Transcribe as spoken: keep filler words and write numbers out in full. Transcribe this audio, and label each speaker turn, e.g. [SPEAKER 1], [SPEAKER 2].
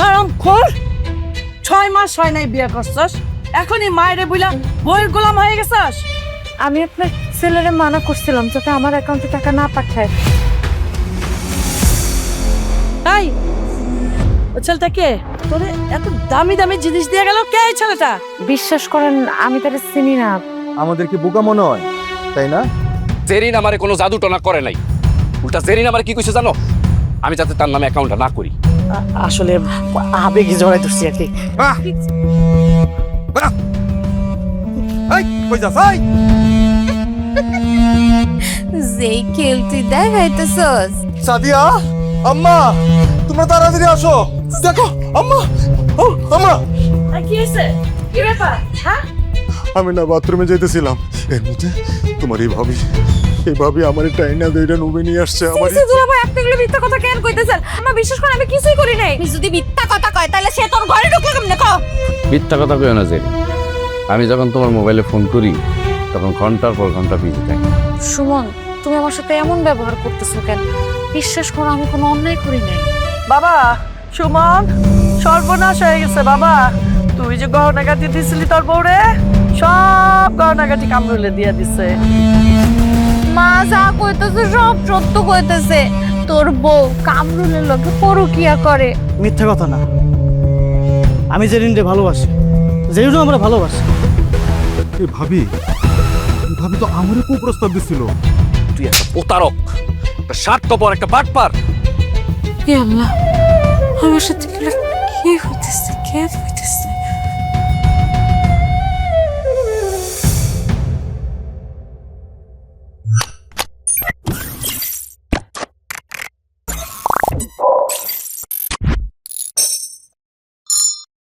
[SPEAKER 1] বেশরম খোর, ছয় মাস হয় নাই বিয়ে করছস, এখনই মায়েরে বুইলা বইয়ের গোলাম হয়ে গেছস।
[SPEAKER 2] আমি আপনার ছেলেরে মানা করছিলাম যাতে আমার অ্যাকাউন্টে টাকা না পাঠায়।
[SPEAKER 1] তাই ও ছেলেটা কে? তোরে এত দামি দামি জিনিস দিয়ে গেল কে এই ছেলেটা?
[SPEAKER 2] বিশ্বাস করেন আমি তারে চিনি না।
[SPEAKER 3] আমাদের কি বোকা মনে হয়, তাই না?
[SPEAKER 4] জেরিন আমারে কোনো জাদু টনা করে নাই, উল্টা জেরিন আমার কি কইছে জানো? আমি যাতে তার নামে অ্যাকাউন্টটা না করি।
[SPEAKER 1] আসলে আবেগে জড়াই ধরছি আর কি।
[SPEAKER 3] এই কই যাস? এই
[SPEAKER 2] যেই খেলতি দেখাইতেছস
[SPEAKER 3] সাদিয়া, আম্মা তোমরা তাড়াতাড়ি আসো। দেখো আম্মা, ও আম্মা।
[SPEAKER 1] কি হয়েছে? কি ব্যাপার? হ্যাঁ,
[SPEAKER 3] আমি না বাথরুমে যেতেছিলাম, এর মধ্যে তোমার এই ভাবি এই ভাবি আমার টাইনা দুইটা নুবে নিয়ে আসছে। আমার
[SPEAKER 2] সিসি দুলাভাই আপনি এগুলো মিথ্যা কথা কেন কইতেছেন? আমার বিশ্বাস করেন আমি কিছুই করি নাই। আপনি যদি মিথ্যা কথা কয় তাহলে সে তোর ঘরে ঢুকলো কেমনে কও?
[SPEAKER 4] মিথ্যা কথা কইও না জেরিন, আমি যখন তোমার মোবাইলে ফোন করি তখন ঘন্টার পর ঘন্টা বিজি থাকি।
[SPEAKER 2] সুমন, তুমি আমার সাথে এমন ব্যবহার করতেছো কেন? বিশ্বাস করো আমি কোনো অন্যায় করি নাই।
[SPEAKER 1] বাবা সুমন, সর্বনাশ হয়ে গেছে বাবা। তুই যে গহনাগাটি দিছিলি তোর বউরে, সব গহনাগাটি কামরুলে দিয়ে দিছে।
[SPEAKER 2] মা যা কইতেছে সব সত্য কইতেছে। তোর বউ কামরুলের লোকে পরকিয়া করে।
[SPEAKER 5] মিথ্যা কথা না, আমি জেরিনকে ভালোবাসি, জেরিনও আমরা ভালোবাসি।
[SPEAKER 3] এই ভাবি এই ভাবি তো আমারই কুপ্রস্তাব দিছিল।
[SPEAKER 4] তুই একটা প্রতারক, একটা স্বার্থপর, একটা বাটপার।
[SPEAKER 2] হে আল্লাহ, আমার সাথে কি হইতেছে? কে হইতেছে?